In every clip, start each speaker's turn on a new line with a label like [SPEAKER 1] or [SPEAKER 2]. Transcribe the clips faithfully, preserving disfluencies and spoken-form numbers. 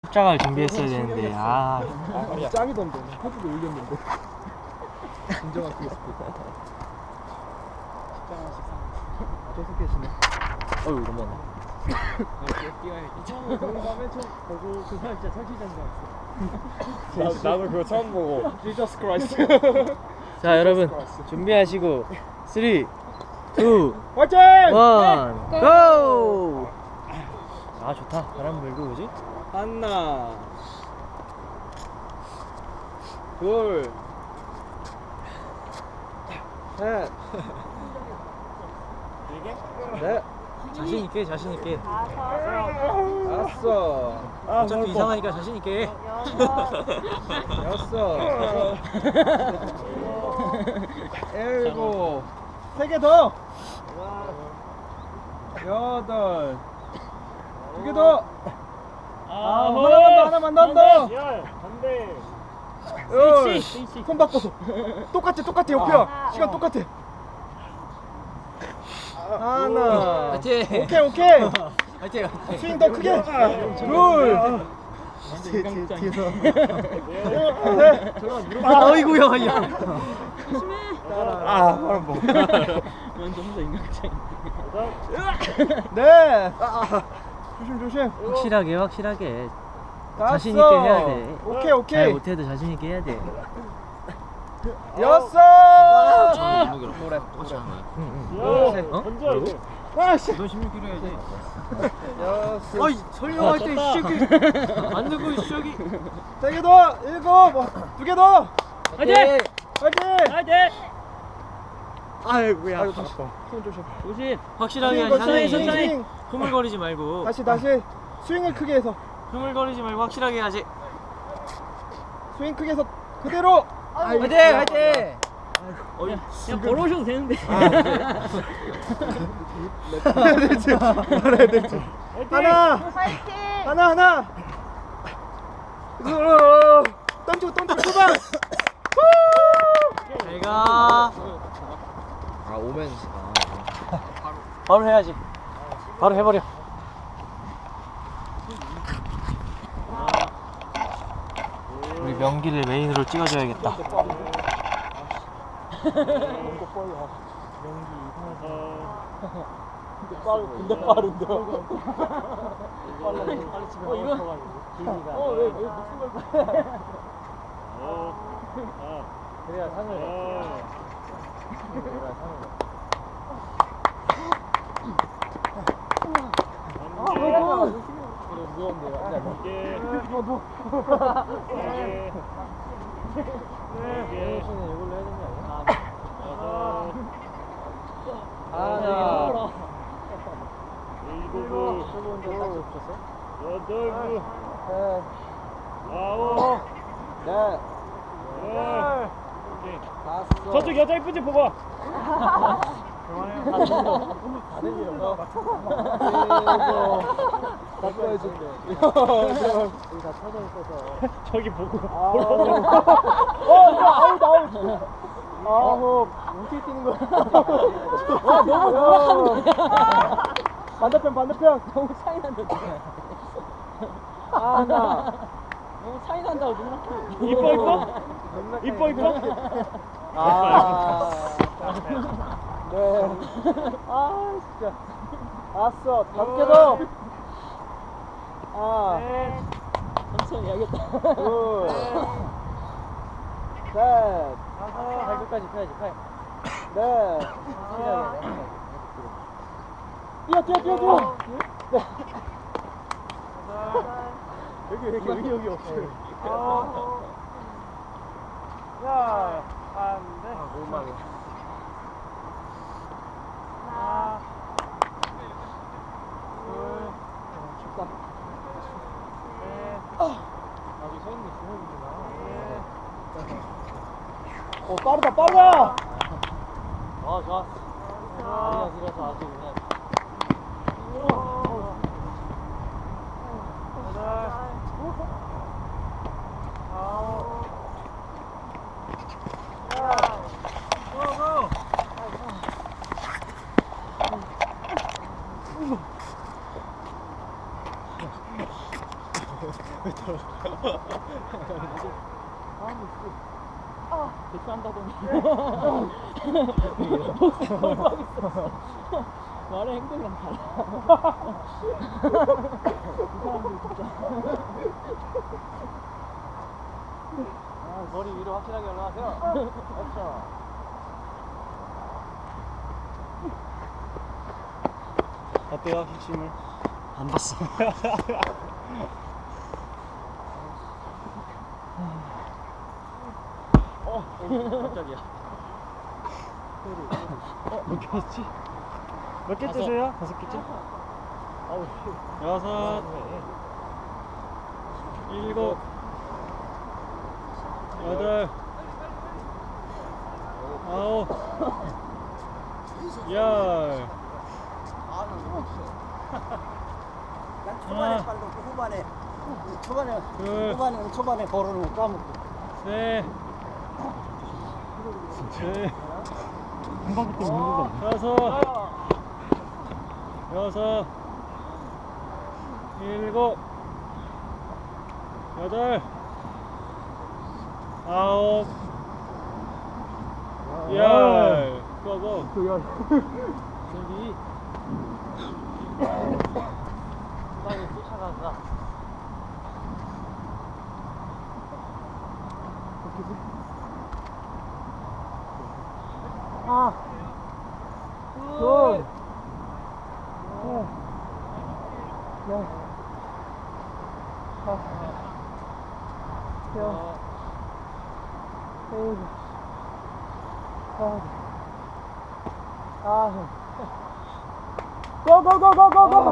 [SPEAKER 1] 십자가를 준비했어야 되는데 아,
[SPEAKER 2] 아 짱이던데. 포즈도 올렸는데. 진정한 그게 스피드. 십자가씩 사. 계속 계시네.
[SPEAKER 1] 어휴 넘어갔네.
[SPEAKER 2] 처음에 맨 처음 보고 그 사람 진짜 설치자인 줄 알았어. 나도 그거 처음 보고. Jesus Christ.
[SPEAKER 1] 자 여러분 준비하시고 삼, 이,
[SPEAKER 2] 화이팅!
[SPEAKER 1] 일, 고! 아 좋다. 바람 불고 뭐지?
[SPEAKER 2] 하나, 둘, 셋, 넷,
[SPEAKER 1] 자신 있게 자신 있게.
[SPEAKER 2] 다섯,
[SPEAKER 1] 어차피 이상하니까 자신 있게.
[SPEAKER 2] 여섯, 일곱, 세 개 더, 여덟, 두 개 더. 아, 하나만 더, 하나만 더.
[SPEAKER 3] 열, 반대.
[SPEAKER 2] 열. 손 바꿔서. 똑같아, 똑같아, 옆이야. 시간 똑같아. 하나.
[SPEAKER 1] 화이팅!
[SPEAKER 2] 오케이, 오케이.
[SPEAKER 1] 화이팅!
[SPEAKER 2] 스윙 더 크게. 둘. 뒤에서.
[SPEAKER 1] 아 어이구야 야.
[SPEAKER 2] 아, 바람 뭐.
[SPEAKER 3] 완전 혼자 인간극장.
[SPEAKER 2] 네. 조심, 조심.
[SPEAKER 1] 확실하게 확실하게
[SPEAKER 2] 다섯.
[SPEAKER 1] 자신 있게 해야 돼.
[SPEAKER 2] 오케이,
[SPEAKER 1] 잘
[SPEAKER 2] 오케이.
[SPEAKER 1] 못해도 자신 있게 해야 돼.
[SPEAKER 2] 여섯.
[SPEAKER 1] 노래 똑같이 하는 거야.
[SPEAKER 3] 야,
[SPEAKER 1] 어?
[SPEAKER 3] 던져 이제.
[SPEAKER 2] 아씨.
[SPEAKER 1] 너 십육 킬로 해야지.
[SPEAKER 2] 여섯.
[SPEAKER 1] 어이 설명할 때 시기 안 되고 시기.
[SPEAKER 2] 세 개 더. 일곱. 두 개 더.
[SPEAKER 3] 화이팅!
[SPEAKER 2] 화이팅.
[SPEAKER 3] 화이팅!
[SPEAKER 1] 아이고야.
[SPEAKER 2] 아이고, 다시. 손 조심.
[SPEAKER 3] 조심.
[SPEAKER 1] 확실하게
[SPEAKER 2] 스윙,
[SPEAKER 1] 자신
[SPEAKER 2] 스윙,
[SPEAKER 1] 있게.
[SPEAKER 2] 스윙.
[SPEAKER 1] 흐물거리지 말고.
[SPEAKER 2] 다시, 다시. 스윙을 크게 해서.
[SPEAKER 1] 흐물거리지 말고 확실하게 해야지.
[SPEAKER 2] 스윙 크게 해서 그대로.
[SPEAKER 1] 화이팅 화이팅.
[SPEAKER 3] 어이, 그냥 걸어오셔도 되는데.
[SPEAKER 2] 말해야 될지. 말해야 될지. 하나. 하나, 하나. 으어. 던지고, 던지고, 초반.
[SPEAKER 1] 잘 가.
[SPEAKER 2] 아, 오면.
[SPEAKER 1] 바로 해야지. 바로 해버려. 우리 명기를 메인으로 찍어줘야겠다.
[SPEAKER 2] 근데 빠르, 근데 빠른데.
[SPEAKER 3] 어, 이거.
[SPEAKER 2] 어, 왜, 왜 무슨 걸 봐?
[SPEAKER 3] 어. 아.
[SPEAKER 2] 그래야 상을.
[SPEAKER 3] 어.
[SPEAKER 2] 그래야 상을.
[SPEAKER 3] 안 돼.
[SPEAKER 2] 그래, 무서운데요. 안 돼, 안 돼.
[SPEAKER 3] 개.
[SPEAKER 2] 어, 뭐.
[SPEAKER 3] 개. 네.
[SPEAKER 2] 씨는 이걸로 해야 되는 거 아니야?
[SPEAKER 3] 여섯.
[SPEAKER 2] 하나.
[SPEAKER 3] 일곱.
[SPEAKER 2] 저거 혼자 딱지 없었어?
[SPEAKER 3] 여덟.
[SPEAKER 2] 셋.
[SPEAKER 3] 아홉.
[SPEAKER 2] 넷.
[SPEAKER 3] 열. 오케이.
[SPEAKER 2] 다섯.
[SPEAKER 3] 저쪽 여자 이쁜지 보고.
[SPEAKER 2] 다른 일 없나? 일곱. 바꿔야지. 여덟. 여기 다 쳐져 있어서.
[SPEAKER 3] 저기 보고.
[SPEAKER 2] 아홉. 어, 이거 아웃, 아웃. 아홉. 어떻게 뛰는 거야?
[SPEAKER 3] 아, 너무 노력하는 거야.
[SPEAKER 2] 반대편, 반대편.
[SPEAKER 3] 너무 차이 난다.
[SPEAKER 2] 하나.
[SPEAKER 3] 너무 차이 난다고 누나. 이뻐 이뻐? 이뻐 이뻐?
[SPEAKER 2] 아. 네. 아, 진짜. 다섯. 다섯 개 더. 아.
[SPEAKER 3] 네. 천천히 해야겠다.
[SPEAKER 2] 둘. 셋.
[SPEAKER 1] 발끝까지 펴야지 팔.
[SPEAKER 2] 넷. 뛰어, 뛰어, 뛰어, 뛰어. 네. 여기, 여기, 여기, 여기 없어요.
[SPEAKER 3] 야, 안 돼.
[SPEAKER 2] 오만원.
[SPEAKER 3] 하나,
[SPEAKER 2] 춥다.
[SPEAKER 3] 셋,
[SPEAKER 2] 아직 서 있는 주먹이구나. 어, 빠르다, 빠르다!
[SPEAKER 1] 어 좋았어.
[SPEAKER 3] 하나,
[SPEAKER 1] 그래서 아주 그냥.
[SPEAKER 3] 여덟, 아홉, 야, 고고. 대처한다더니 말의 행동이랑 달라. 이 사람들 진짜.
[SPEAKER 1] 아, 머리 위로 확실하게 올라가세요. 그렇죠.
[SPEAKER 2] 어때요, 핵심을?
[SPEAKER 1] 안 봤어.
[SPEAKER 2] 어, 깜짝이야. 어, 몇 개였지? 몇 개째세요? 다섯 개째?
[SPEAKER 1] 아우,
[SPEAKER 2] 여섯, 일곱, 여덟, 아홉, 열.
[SPEAKER 4] 난 초반에
[SPEAKER 2] 하나,
[SPEAKER 4] 빨고 후반에 초반에
[SPEAKER 2] 둘,
[SPEAKER 4] 후반에 초반에 버르는 거 까먹고
[SPEAKER 2] 셋, 넷, 한 바퀴 때문에 힘들다. 다섯, 여섯, 일곱, 여덟, 아홉, 열. 고고.
[SPEAKER 1] 준비. 후방에 쫓아가자.
[SPEAKER 4] 아
[SPEAKER 1] 둘.
[SPEAKER 4] 고고고고고고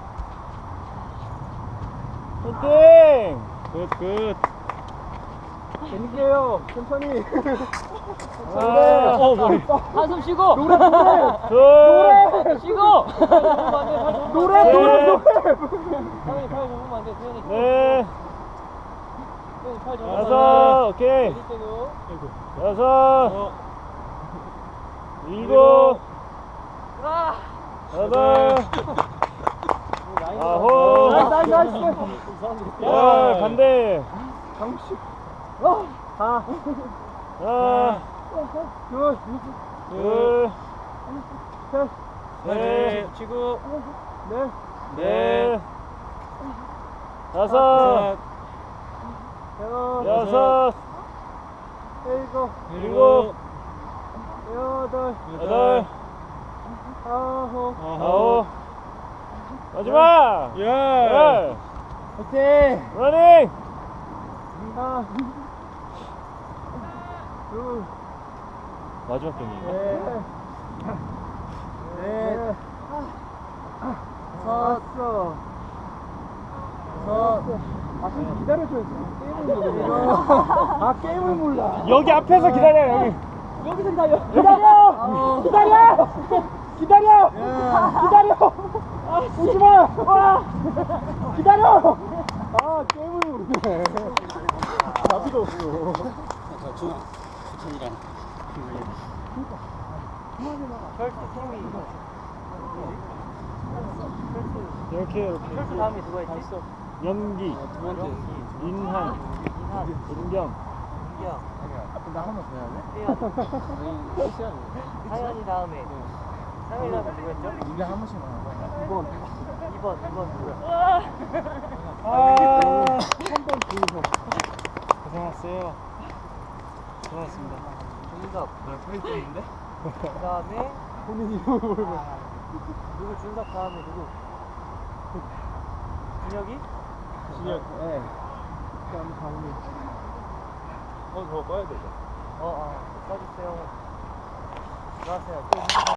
[SPEAKER 2] 화이팅! 굿, 굿.
[SPEAKER 4] 재밌게요 천천히
[SPEAKER 2] 아, 어, 머리.
[SPEAKER 3] 한숨 쉬고.
[SPEAKER 4] 노래 노래
[SPEAKER 2] 둘,
[SPEAKER 3] 쉬고.
[SPEAKER 4] 노래 노래 노래
[SPEAKER 1] 태현이 팔 접으면 안 돼, 태현이.
[SPEAKER 2] 넷,
[SPEAKER 1] 태현이 팔 접으면 안 돼.
[SPEAKER 2] 여섯, 오케이.
[SPEAKER 1] 내릴 때도.
[SPEAKER 2] 여섯, 일곱,
[SPEAKER 1] 아!
[SPEAKER 2] 여덟,
[SPEAKER 1] 라인
[SPEAKER 2] 아홉,
[SPEAKER 4] 나이스 나이스
[SPEAKER 2] 열, 반대.
[SPEAKER 4] 강식
[SPEAKER 2] 하나,
[SPEAKER 4] 둘
[SPEAKER 2] 둘,
[SPEAKER 4] 셋
[SPEAKER 2] 셋,
[SPEAKER 1] 치고.
[SPEAKER 4] 넷
[SPEAKER 2] 넷, 다섯,
[SPEAKER 4] 여섯
[SPEAKER 2] 여섯,
[SPEAKER 4] 일곱
[SPEAKER 2] 일곱,
[SPEAKER 4] 여덟
[SPEAKER 2] 여덟,
[SPEAKER 4] 아홉
[SPEAKER 2] 아홉, 마지막! 열!
[SPEAKER 4] 오케이
[SPEAKER 2] 러닝!
[SPEAKER 4] 하나 둘
[SPEAKER 2] 마지막 경기인가?
[SPEAKER 4] 넷, 넷, 다섯, 여섯, 아, 좀 기다려줘야지. 게임을 몰라. 아, 게임을 몰라.
[SPEAKER 2] 여기 앞에서 기다려, 여기.
[SPEAKER 3] 여기서 기다려.
[SPEAKER 4] 기다려! 기다려! 기다려! 기다려! 오지 마! 와! 기다려! 아, 게임을 모르네. 답이도 없어.
[SPEAKER 2] 이렇게, 이렇게.
[SPEAKER 1] 펄스 다음에 누가 있지?
[SPEAKER 2] 연기, 인한,
[SPEAKER 1] 인한,
[SPEAKER 2] 은경.
[SPEAKER 1] 인경,
[SPEAKER 4] 나 한 번 더 해야
[SPEAKER 1] 태연. 상현이 다음에. 상현이 다음에 누구였죠?
[SPEAKER 4] 돼? 한 번씩만 하고. 이번.
[SPEAKER 1] 이 번, 이 번 누구야?
[SPEAKER 2] 아,
[SPEAKER 4] 한번 보여줘.
[SPEAKER 2] 고생하셨어요. 수고하셨습니다.
[SPEAKER 1] 준섭.
[SPEAKER 4] 나 페이스인데?
[SPEAKER 1] 그 다음에
[SPEAKER 4] 본인 이름을 모르고.
[SPEAKER 1] 누구 준섭 다음에 누구? 준혁이?
[SPEAKER 4] 진혁. 예. 그다음에 강민.
[SPEAKER 2] 어, 저거 꺼야 되죠.
[SPEAKER 1] 어, 어, 써주세요. 들어가세요.